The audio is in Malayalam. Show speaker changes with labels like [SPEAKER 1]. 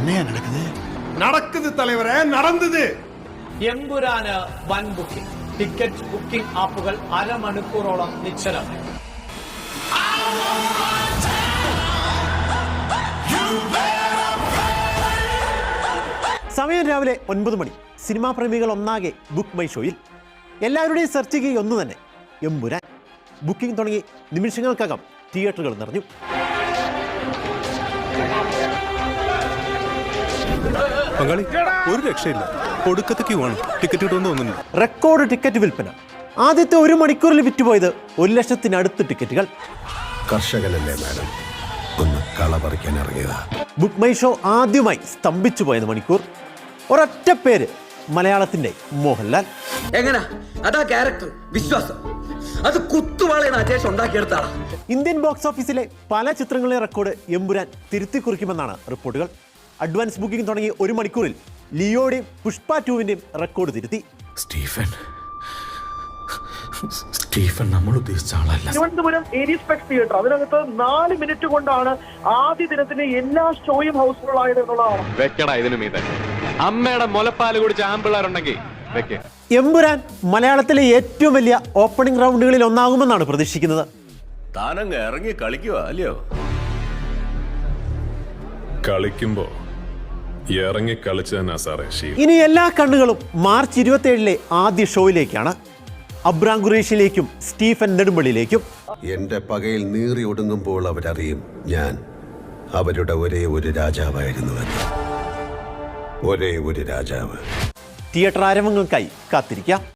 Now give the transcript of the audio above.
[SPEAKER 1] നടക്കുന്നത് തലവരെ നടന്നത്.
[SPEAKER 2] എമ്പുരാന് വൻ ബുക്കിംഗ്. ടിക്കറ്റ് ബുക്കിംഗ് ആപ്പുകൾ അരമണിക്കൂറോളം നിശ്ചലമായി.
[SPEAKER 3] സമയം രാവിലെ 9 മണി. സിനിമാ പ്രേമികൾ ഒന്നാകെ ബുക്ക് മൈ ഷോയിൽ. എല്ലാവരുടെയും സെർച്ച് ചെയ്യുക ഒന്ന് തന്നെ, എമ്പുരാൻ. ബുക്കിംഗ് തുടങ്ങി നിമിഷങ്ങൾക്കകം തിയേറ്ററുകൾ നിറഞ്ഞു.
[SPEAKER 4] ഒരു രക്ഷയില്ല, ഒടുക്കത്തെ ക്യൂ ആണ്. ടിക്കറ്റ് കിട്ടുമെന്ന് തോന്നുന്നു.
[SPEAKER 3] റെക്കോർഡ് ടിക്കറ്റ് വിൽപ്പന. ആദ്യത്തെ 1 മണിക്കൂറിൽ വിറ്റുപോയത് 1,00,000-അടുത്ത് ടിക്കറ്റുകൾ.
[SPEAKER 5] കർഷകനല്ലേ മാഡം, ഒന്ന് കള പറിക്കാൻ ഇറങ്ങിയതാ.
[SPEAKER 3] ബുക്ക് മൈ ഷോ ആദ്യമായി സ്തംഭിച്ചു പോയത് മണിക്കൂർ. ഒരൊറ്റ പേര്, മലയാളത്തിന്റെ മോഹൻലാൽ.
[SPEAKER 6] എങ്ങനെ അതാ ക്യാരക്ടർ, വിശ്വാസം, അത് കുത്തുവാളയാണ് അജേഷ് ഉണ്ടാക്കിയെടുത്താണ്.
[SPEAKER 3] ഇന്ത്യൻ ബോക്സ് ഓഫീസിലെ പല ചിത്രങ്ങളിലെ റെക്കോർഡ് എമ്പുരാൻ തിരുത്തി കുറിക്കുമെന്നാണ് റിപ്പോർട്ടുകൾ. അഡ്വാൻസ് ബുക്കിംഗ് തുടങ്ങിയ 1 മണിക്കൂറിൽ ലിയോയുടെയും പുഷ്പ 2-ന്റെയും റെക്കോർഡ് തിരുത്തി.
[SPEAKER 4] സ്റ്റീഫൻ നമ്മൾ ഉദ്ദേശിച്ച ആളല്ല.
[SPEAKER 7] തിരുവനന്തപുരം ഏരിയസ്പെക്സ് തിയേറ്റർ, അതിനകത്ത് 4 മിനിറ്റ് കൊണ്ടാണ് ആദ്യ ദിനത്തിന്റെ എല്ലാ ഷോയും ഹൗസ്ഫുൾ ആയത് എന്നുള്ളതാണ്.
[SPEAKER 8] വെക്കടാ ഇതിനും ഇത്. അമ്മയുടെ മുലപ്പാല് കുടിച്ച ആമ്പിള്ളേരുണ്ടെങ്കിൽ വെക്ക.
[SPEAKER 3] എമ്പുരാൻ മലയാളത്തിലെ ഏറ്റവും വലിയ ഓപ്പണിംഗ് റൗണ്ടുകളിൽ ഒന്നാകുമെന്നാണ് പ്രതീക്ഷിക്കുന്നത്.
[SPEAKER 5] താനങ്ങ് ഇറങ്ങി കളിക്കുക അല്ലയോ?
[SPEAKER 4] കളിക്കുമ്പോ ഇറങ്ങി കളിച്ചു തന്നെ സാറേ.
[SPEAKER 3] ഇനി എല്ലാ കണ്ണുകളും മാർച്ച് 27-ലെ ആദ്യ ഷോയിലേക്കാണ്. Abram ഖുറേഷിലേക്കും Stephen നെടുമ്പള്ളിയിലേക്കും.
[SPEAKER 5] എന്റെ പകയിൽ നീറി ഒടുങ്ങുമ്പോൾ അവരറിയും ഞാൻ അവരുടെ ഒരേ ഒരു രാജാവായിരുന്നുവെന്ന്. ഒരേ ഒരു രാജാവ്.
[SPEAKER 3] തിയേറ്റർ ആരവങ്ങൾക്കായി കാത്തിരിക്കാം.